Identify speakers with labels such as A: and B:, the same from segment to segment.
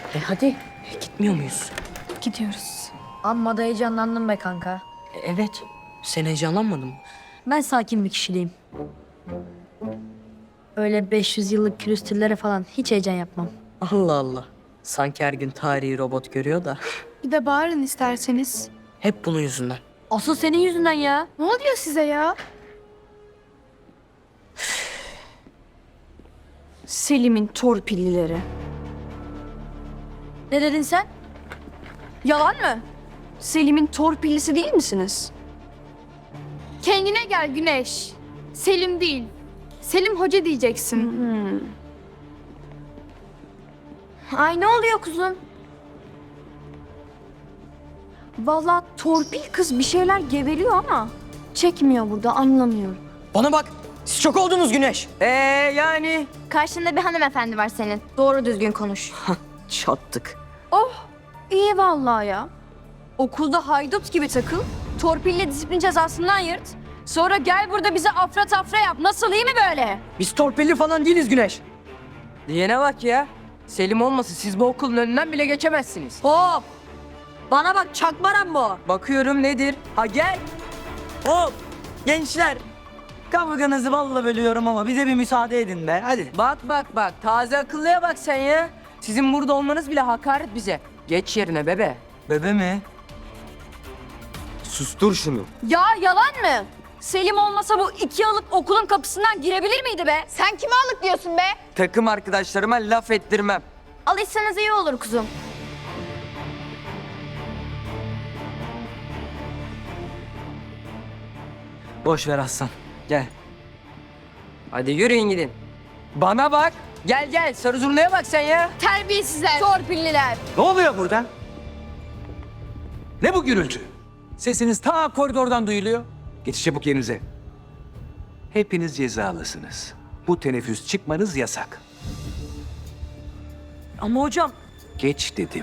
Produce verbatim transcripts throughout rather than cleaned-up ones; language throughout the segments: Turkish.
A: E hadi, gitmiyor muyuz?
B: Gidiyoruz.
C: Amma da heyecanlandım be kanka.
A: E, evet, sen heyecanlanmadın mı?
C: Ben sakin bir kişiliğim. Öyle beş yüz yıllık külüstürlere falan hiç heyecan yapmam.
A: Allah Allah. Sanki her gün tarihi robot görüyor da.
B: Bir de bağırın isterseniz.
A: Hep bunun yüzünden.
C: Asıl senin yüzünden ya.
B: Ne oluyor size ya? Selim'in torpillileri.
C: Ne dedin sen?
B: Yalan mı? Selim'in torpillisi değil misiniz?
D: Kendine gel Güneş. Selim değil. Selim Hoca diyeceksin.
C: Ay ne oluyor kuzum?
B: Vallahi torpil kız bir şeyler geveliyor ama çekmiyor burada, anlamıyorum.
A: Bana bak, siz çok oldunuz Güneş. Ee yani.
E: Karşında bir hanımefendi var senin.
C: Doğru düzgün konuş.
A: Çattık.
B: İyi vallahi ya. Okulda haydut gibi takıl, torpille disiplin cezasından yırt. Sonra gel burada bize afra tafra yap. Nasıl, iyi mi böyle?
A: Biz torpilli falan değiliz Güneş. Diyene bak ya. Selim olmasa siz bu okulun önünden bile geçemezsiniz.
C: Hop! Bana bak çakmaram bu.
A: Bakıyorum nedir? Ha gel.
F: Hop! Gençler! Kavganızı balla bölüyorum ama bize bir müsaade edin be. Hadi.
A: Bak bak bak, taze akıllıya bak sen ya. Sizin burada olmanız bile hakaret bize. Geç yerine bebe.
F: Bebe mi?
G: Sustur şunu.
B: Ya yalan mı? Selim olmasa bu iki yıllık okulun kapısından girebilir miydi be?
E: Sen kime alık diyorsun be?
A: Takım arkadaşlarıma laf ettirmem.
E: Alışsanız iyi olur kuzum.
F: Boş ver Aslan. Gel.
A: Hadi yürüyün gidin. Bana bak. Gel gel, sarı zurnaya bak sen ya.
D: Terbiyesizler.
B: Torpilliler.
G: Ne oluyor burada? Ne bu gürültü? Sesiniz ta koridordan duyuluyor. Geçin çabuk yerinize. Hepiniz cezalısınız. Bu teneffüs çıkmanız yasak.
C: Ama hocam
G: Geç dedim.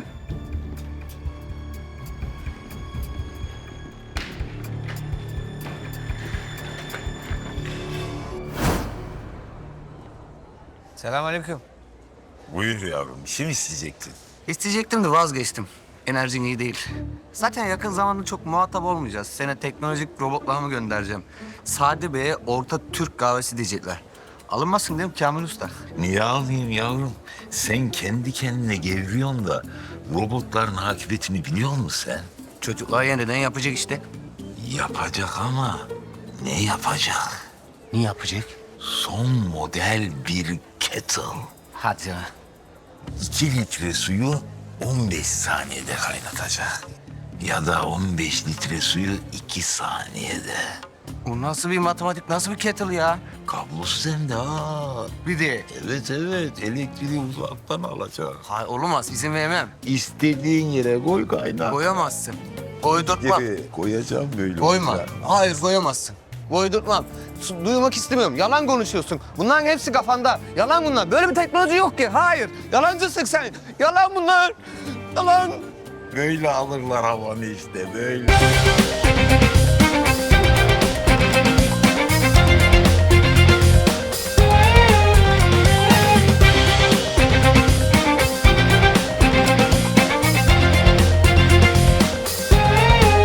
H: Selamünaleyküm.
I: Buyur yavrum, bir şey mi isteyecektin?
H: İsteyecektim de vazgeçtim. Enerjin iyi değil. Zaten yakın zamanda çok muhatap olmayacağız. Sene teknolojik robotlarımı göndereceğim. Sade Bey'e orta Türk kahvesi diyecekler. Alınmasın değil mi Kamil Usta?
I: Niye alayım yavrum? Sen kendi kendine gevriyorsun da robotların akıbetini biliyor musun sen?
H: Çocuklar yeniden yapacak işte.
I: Yapacak ama ne yapacak?
H: Ne yapacak?
I: Son model bir kettle.
H: Hadi ya.
I: İki litre suyu on beş saniyede kaynatacak. Ya da on beş litre suyu iki saniyede.
H: Bu nasıl bir matematik, nasıl bir kettle ya?
I: Kablosuz hem de ha.
H: Bir de.
I: Evet evet, elektriği uzaktan alacak.
H: Hayır olmaz, izin vermem.
I: İstediğin yere koy kaynar.
H: Koyamazsın. Koydurtmam.
I: Evet, koyacağım böyle.
H: Koyma.
I: olacak.
H: Hayır koyamazsın. Koydurtmam. Su- Duymak istemiyorum. Yalan konuşuyorsun. Bunların hepsi kafanda. Yalan bunlar. Böyle bir teknoloji yok ki. Hayır. Yalancısın sen. Yalan bunlar. Yalan.
I: Böyle alırlar havanı işte böyle.